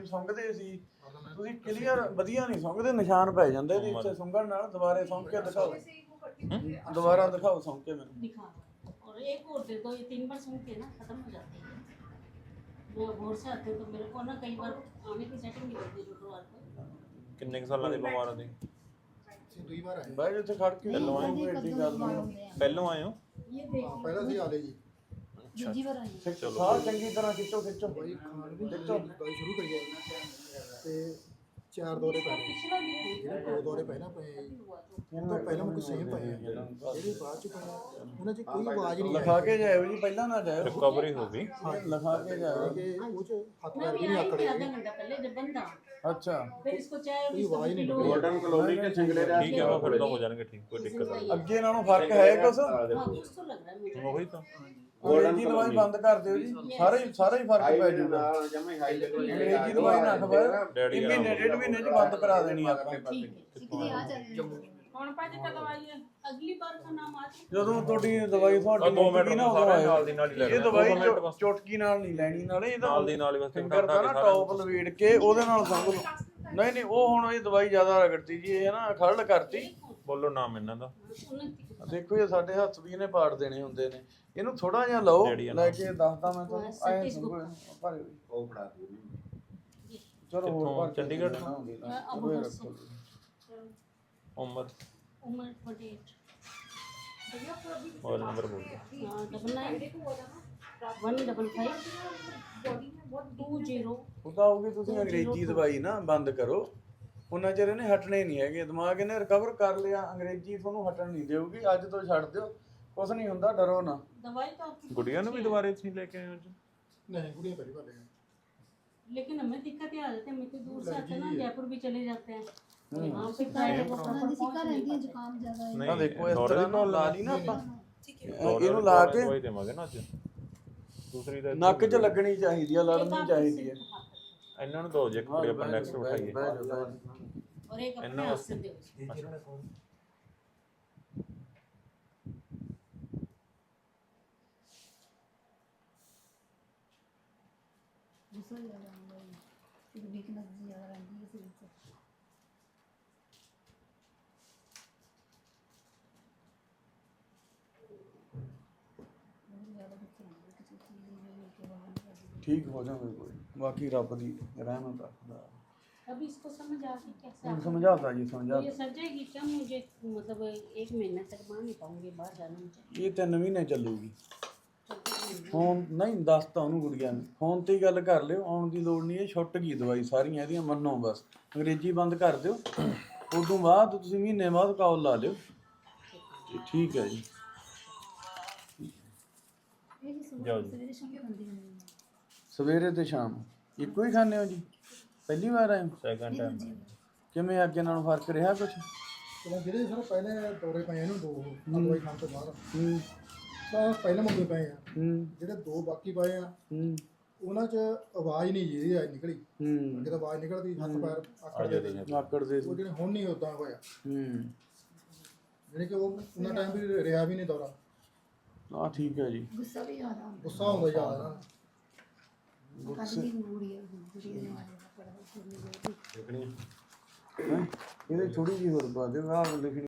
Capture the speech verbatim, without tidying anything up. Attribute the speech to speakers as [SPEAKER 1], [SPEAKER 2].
[SPEAKER 1] ਸੁੰਘਦੇ ਸੀ ਤੁਸੀਂ ਕਲੀਅਰ ਵਧੀਆ ਨਹੀਂ ਸੁੰਘਦੇ, ਨਿਸ਼ਾਨ ਪੈ ਜਾਂਦੇ ਜੀ ਇੱਥੇ ਸੁੰਘਣ ਨਾਲ। ਦੁਬਾਰੇ ਸੁੰਘ ਕੇ ਦਿਖਾਓ, दोबारा दिखाओ सुन के मैंने
[SPEAKER 2] दिखा दो और एक और दे दो, ये तीन बार सुन के ना खत्म हो जाती है। मैं भोर से आते तो मेरे को ना कई बार आने की सेटिंग नहीं होती शुक्रवार को।
[SPEAKER 3] किन्ने साल के बीमार दी
[SPEAKER 4] दुई बार आए
[SPEAKER 1] भाई जिथे खड़ के
[SPEAKER 3] पहलों आए
[SPEAKER 1] एडी गल नहीं
[SPEAKER 3] पहलों आए हो
[SPEAKER 2] ये देख
[SPEAKER 4] पहला सी आले जी
[SPEAKER 2] दूसरी बार आई
[SPEAKER 1] चलो सार चंगी तरह खिंचो खिंचो
[SPEAKER 4] भाई खान भी खिंचो दवाई शुरू करिए ते चार दौरे पै
[SPEAKER 2] पिछला भी है
[SPEAKER 4] ਜਿਹੜੇ ਦੋ ਦੌਰੇ ਪਹਿਲਾਂ ਪਏ ਉਹ ਤੋਂ ਪਹਿਲਾਂ ਮੈਨੂੰ ਸੇਮ ਪਏ ਜਿਹੜੇ ਬਾਅਦ ਚ ਪਏ ਉਹਨਾਂ 'ਚ ਕੋਈ ਆਵਾਜ਼ ਨਹੀਂ
[SPEAKER 1] लिखा के जाओ जी, पहला ना जाओ,
[SPEAKER 3] रिकवरी हो गई
[SPEAKER 1] लिखा के जाओ।
[SPEAKER 4] ਕਿ ਉਹ ਚ ਹੱਥ
[SPEAKER 2] मैं
[SPEAKER 4] पैर
[SPEAKER 2] भी
[SPEAKER 4] भी नहीं
[SPEAKER 2] आई थी
[SPEAKER 4] आकड़े
[SPEAKER 2] आधा घंटा पहले जब बंद था,
[SPEAKER 1] अच्छा
[SPEAKER 2] फिर इसको चाय और
[SPEAKER 4] कोई
[SPEAKER 2] बिस्कुट
[SPEAKER 4] आवाज नहीं
[SPEAKER 2] पिलो।
[SPEAKER 4] निकली।
[SPEAKER 5] गोल्डन कलोनी के चिंगड़े रह
[SPEAKER 3] ठीक है वो फिर तो हो जाएंगे ठीक, कोई दिक्कत नहीं।
[SPEAKER 1] ਅੱਗੇ ਨਾਲੋਂ ਫਰਕ ਹੈ ਕੁਛ?
[SPEAKER 2] हाँ कुछ तो लग रहा है मुझे।
[SPEAKER 3] वही तो
[SPEAKER 1] ਅੰਗਰੇਜ਼ੀ ਦਵਾਈ ਬੰਦ ਕਰ ਦਿਓ ਜੀ, ਸਾਰੇ ਸਾਰੇ ਹੀ ਫਰਕ ਪੈ ਜਾਊਗਾ।
[SPEAKER 5] जमे हाई लेवल
[SPEAKER 1] ਅੰਗਰੇਜ਼ੀ ਦਵਾਈ ਨਾ ਖਵਾਓ,
[SPEAKER 3] ਡੈਡੀ
[SPEAKER 1] ਇਹ ਮਹੀਨੇ ਡੇਢ ਮਹੀਨੇ ਚ ਬੰਦ ਕਰਾ ਦੇਣੀ ਆਪਾਂ।
[SPEAKER 2] कौन पाजी का दवाई है अगली बार का नाम आज
[SPEAKER 1] ਜਦੋਂ ਤੁਹਾਡੀ ਦਵਾਈ ਤੁਹਾਡੀ
[SPEAKER 3] ਦੋ ਮਿੰਟ
[SPEAKER 1] ਮੁੱਕਦੀ ਨਾ
[SPEAKER 3] ਸਾਰੇ
[SPEAKER 1] ਉਦੋਂ
[SPEAKER 3] ਨਾਲ ਦੀ ਨਾਲ ਹੀ ਲੈ
[SPEAKER 1] ਇਹ
[SPEAKER 3] ਲੈਣਾ।
[SPEAKER 1] ਦਵਾਈ
[SPEAKER 3] ਦੋ ਮਿੰਟ ਬਸ।
[SPEAKER 1] ਚੁਟਕੀ ਨਾਲ ਨਹੀਂ ਲੈਣੀ, ਨਾਲੇ ਇਹਦਾ
[SPEAKER 3] ਨਾਲ ਦੀ ਨਾਲ ਹੀ ਬਸ
[SPEAKER 1] ਫਿੰਗਰ ਦਾ ਨਾ ਟੌਪ ਲਵੇੜ ਕੇ ਉਹਦੇ ਨਾਲ ਸੰਗ ਲਓ। ਨਹੀਂ ਨਹੀਂ ਉਹ ਹੁਣ ਇਹ ਦਵਾਈ ਜ਼ਿਆਦਾ ਰਗੜਤੀ ਜੀ, ਇਹ ਨਾ ਖੜਲ ਕਰਤੀ।
[SPEAKER 3] ਬੋਲੋ ਨਾਮ ਇਹਨਾਂ ਦਾ
[SPEAKER 1] ਦੇਖੋ ਇਹ ਸਾਡੇ ਹੱਥ ਵੀ ਇਹਨੇ ਪਾੜ ਦੇਣੇ ਹੁੰਦੇ ਨੇ, ਇਹਨੂੰ ਥੋੜਾ ਜਿਹਾ ਲਓ ਲੈ ਕੇ ਦੱਸਦਾ ਮੈਂ ਤੁਹਾਨੂੰ ਆਏ ਸੰਗੋ ਭਾਰੇ
[SPEAKER 5] ਉਹ ਫੜਾ ਦਿਓ
[SPEAKER 1] ਚਲੋ ਹੋਰ
[SPEAKER 3] ਕਿੱਥੋਂ?
[SPEAKER 1] ਭਰ ਕੇ
[SPEAKER 3] ਚੰਡੀਗੜ੍ਹ
[SPEAKER 1] ਦੇਣਾ ਹੁੰਦੀ ਨਾ,
[SPEAKER 2] अब
[SPEAKER 1] ਉਹ
[SPEAKER 2] उधर
[SPEAKER 1] ਰੱਖੋ
[SPEAKER 2] से
[SPEAKER 1] ਜੀ।
[SPEAKER 3] उम्र
[SPEAKER 2] उम्र अड़तालीस
[SPEAKER 3] मोबाइल नंबर बोल दो
[SPEAKER 2] हाँ double nine one double five two zero.
[SPEAKER 1] ਉਹ ਤਾਂ ਹੋਊਗੀ, ਤੁਸੀਂ ਅੰਗਰੇਜ਼ੀ ਦਵਾਈ ਨਾ ਬੰਦ ਕਰੋ, ਉਹਨਾਂ ਚਿਰ ਇਹਨੇ ਹਟਣੇ ਨਹੀਂ ਹੈਗੇ। ਦਿਮਾਗ ਇਹਨੇ ਰਿਕਵਰ ਕਰ ਲਿਆ, ਅੰਗਰੇਜ਼ੀ ਤੁਹਾਨੂੰ ਹਟਣ ਨਹੀਂ ਦੇਊਗੀ। ਅੱਜ ਤੋਂ ਛੱਡ ਦਿਓ, ਕੁਛ ਨਹੀਂ ਹੁੰਦਾ, ਡਰੋ ਨਾ।
[SPEAKER 2] दवाई तो आपकी
[SPEAKER 3] गुड़िया ने भी दोबारा इतनी लेके आए हो
[SPEAKER 4] नहीं गुड़िया पहली बार ले
[SPEAKER 2] लेकिन हमें दिक्कत ये आ जाती है, हम इतनी दूर से आते हैं ना, जयपुर भी चले जाते हैं वहाँ पे क्या है वो फटाफट पहुंच नहीं पाते।
[SPEAKER 6] जुकाम ज्यादा है।
[SPEAKER 1] ਤਾਂ ਦੇਖੋ ਇਸ
[SPEAKER 3] दौरे
[SPEAKER 1] ਤਰ੍ਹਾਂ
[SPEAKER 3] दी
[SPEAKER 1] ਨਾਲ ਲਾ
[SPEAKER 3] प्रॉब्लम
[SPEAKER 1] ਲਈ ਨਾ ਆਪਾਂ,
[SPEAKER 3] दौरे
[SPEAKER 1] ਇਹਨੂੰ
[SPEAKER 3] दी
[SPEAKER 1] ਲਾ
[SPEAKER 3] दवाई
[SPEAKER 1] ਕੇ
[SPEAKER 3] दवाई देवांगे ना ਅੱਜ ਦੂਸਰੀ ਦਾ
[SPEAKER 1] ਨੱਕ 'ਚ ਲੱਗਣੀ ਚਾਹੀਦੀ ਆ, ਲੜਨੀ ਚਾਹੀਦੀ ਹੈ।
[SPEAKER 3] ਇਹਨਾਂ ਨੂੰ ਦੋ ਜੇ ਕੁੜੀ ਆਪਾਂ ਨੈਕਸਟ ਉਠਾਈਏ
[SPEAKER 1] ਬਹਿ ਜਾਓ, ਬਹਿ ਜਾਓ।
[SPEAKER 2] और एक अपने
[SPEAKER 3] इन्ना
[SPEAKER 2] हाथ से दो।
[SPEAKER 6] गुस्सा ज्यादा आता है, फिर वीकनेस ज्यादा रहती है शरीर से। बहुत ज्यादा गुस्सा आता है किसी चीज में के बाहर निकल
[SPEAKER 1] ਠੀਕ ਹੋ ਜਾਵੇ ਕੋਈ, ਬਾਕੀ ਰੱਬ ਦੀ ਰਹਿਮਤ ਆ ਖੁਦਾ।
[SPEAKER 2] अभी इसको समझ आ गई कैसे
[SPEAKER 1] ਹੁਣ
[SPEAKER 2] आप-
[SPEAKER 1] ਸਮਝਾਤਾ ਜੀ,
[SPEAKER 2] तो
[SPEAKER 1] ਸਮਝਾਤਾ।
[SPEAKER 2] ये सर जाएगी क्या मुझे, मतलब एक महीने तक मान नहीं पाऊंगी बाहर जाना मुझे।
[SPEAKER 1] ਇਹ ਤਿੰਨ ਮਹੀਨੇ ਚੱਲੂਗੀ।
[SPEAKER 2] चलते हैं।
[SPEAKER 1] ਫੋਨ ਨਹੀਂ ਦੱਸਤਾ ਉਹਨੂੰ ਗੁੜੀਆ ਨੂੰ, ਫੋਨ ਤੇ ਹੀ ਗੱਲ ਕਰ ਲਿਓ, ਆਉਣ ਦੀ ਲੋੜ ਨਹੀਂ। ਇਹ ਛੁੱਟ ਗਈ ਦਵਾਈ ਸਾਰੀਆਂ ਇਹਦੀਆਂ, ਮੰਨੋ ਬਸ। ਅੰਗਰੇਜ਼ੀ ਬੰਦ ਕਰ ਦਿਓ, ਉਦੋਂ ਬਾਅਦ ਤੁਸੀਂ ਮਹੀਨੇ ਬਾਅਦ ਕਾਲ ਲਾ ਲਿਓ। ਤੇ ਠੀਕ ਹੈ ਜੀ।
[SPEAKER 6] ये जी सुबह
[SPEAKER 3] जाओ जी।
[SPEAKER 6] सवेरे शाम खाती हूँ।
[SPEAKER 1] ਸਵੇਰੇ ਤੇ ਸ਼ਾਮ ਇੱਕੋ ਹੀ ਖਾਂਦੇ ਹੋ ਜੀ? ਪਹਿਲੀ ਵਾਰ ਆਏ ਹੋ?
[SPEAKER 3] ਸੈਕੰਡ ਟਾਈਮ
[SPEAKER 1] ਕਿਵੇਂ ਅੱਗੇ ਨਾਲੋਂ ਫਰਕ ਰਿਹਾ ਕੁਛ?
[SPEAKER 4] ਤੇ ਜਿਹੜੇ ਸਰ ਪਹਿਲੇ ਦੌਰੇ ਪਏ ਇਹਨੂੰ ਦੋ ਦਵਾਈ ਖਾਣ ਤੋਂ ਬਾਅਦ
[SPEAKER 1] ਹੂੰ
[SPEAKER 4] ਤਾਂ ਪਹਿਲੇ ਮੰਗੇ ਪਏ ਆ,
[SPEAKER 1] ਹੂੰ
[SPEAKER 4] ਜਿਹੜੇ ਦੋ ਬਾਕੀ ਪਏ ਆ
[SPEAKER 1] ਹੂੰ
[SPEAKER 4] ਉਹਨਾਂ 'ਚ ਆਵਾਜ਼ ਨਹੀਂ ਜੀ ਆਈ ਨਿਕਲੀ।
[SPEAKER 1] ਹੂੰ
[SPEAKER 4] ਅੱਗੇ ਤਾਂ ਆਵਾਜ਼ ਨਿਕਲਦੀ, ਹੱਥ ਪੈਰ ਆਕੜਦੇ ਸੀ।
[SPEAKER 1] ਆਕੜ ਦੇ
[SPEAKER 4] ਉਹ ਜਿਹੜੇ ਹੁਣ ਨਹੀਂ ਉਦਾਂ ਹੋਇਆ,
[SPEAKER 1] ਹੂੰ
[SPEAKER 4] ਜਿਹੜੇ ਕਿ ਉਹ ਉਹਨਾਂ ਟਾਈਮ ਵੀ ਰਿਹਾ ਵੀ ਨਹੀਂ ਦੌਰਾ।
[SPEAKER 1] ਆ ਠੀਕ ਹੈ ਜੀ।
[SPEAKER 6] गुस्सा भी ज्यादा आता
[SPEAKER 4] ਗੁੱਸਾ ਹੁੰਦਾ ਜ਼ਿਆਦਾ ਨਾ।
[SPEAKER 6] है। कल भी गुड़िया गुड़िया ने मारा पड़ा, फिर नहीं गई।
[SPEAKER 5] देखनी
[SPEAKER 1] ਹੈਂ? ਇਹਦੇ ਥੋੜੀ ਜਿਹੀ ਹੋਰ ਪਾ ਦਿਓ, ਆਹ ਲਿਖਣੀ